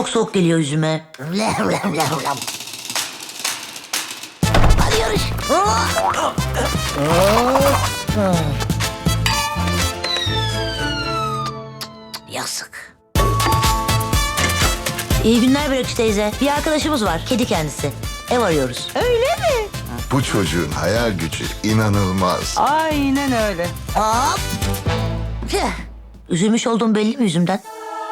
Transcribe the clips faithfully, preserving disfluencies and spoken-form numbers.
Çok soğuk geliyor yüzüme. Hadi yarış. Yazık. İyi günler Bırakış teyze. Bir arkadaşımız var. Kedi kendisi. Ev arıyoruz. Öyle mi? Bu çocuğun hayal gücü inanılmaz. Aynen öyle. Hop. Tüh. Üzülmüş olduğum belli mi yüzümden?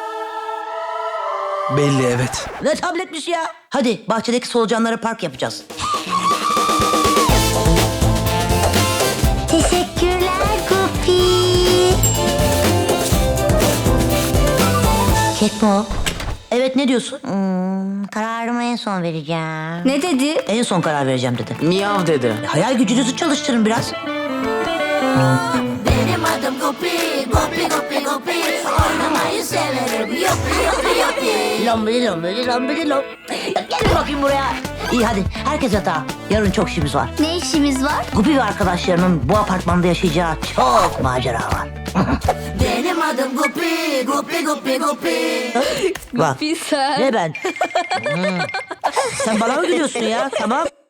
Belli evet. Ne tabletmiş ya? Hadi bahçedeki solucanlara park yapacağız. Teşekkürler Gupi. Kek mi o? Evet, ne diyorsun? Hmm, kararımı en son vereceğim. Ne dedi? En son karar vereceğim dedi. Miyav dedi. Hayal gücünüzü çalıştırın biraz. Benim adım Gupi, Gupi, Gupi, Gupi. Oynamayı severim, yupi, yupi, yupi. Lombili lombili lombili lom. Gelin bakayım buraya. İyi hadi herkes yatağa. Yarın çok işimiz var. Ne işimiz var? Gupi ve arkadaşlarının bu apartmanda yaşayacağı çok macera var. Benim adım Gupi, Gupi, Gupi, Gupi. Bak. Güzel. Ne ben? Hmm. Sen bana mı gülüyorsun ya? Tamam.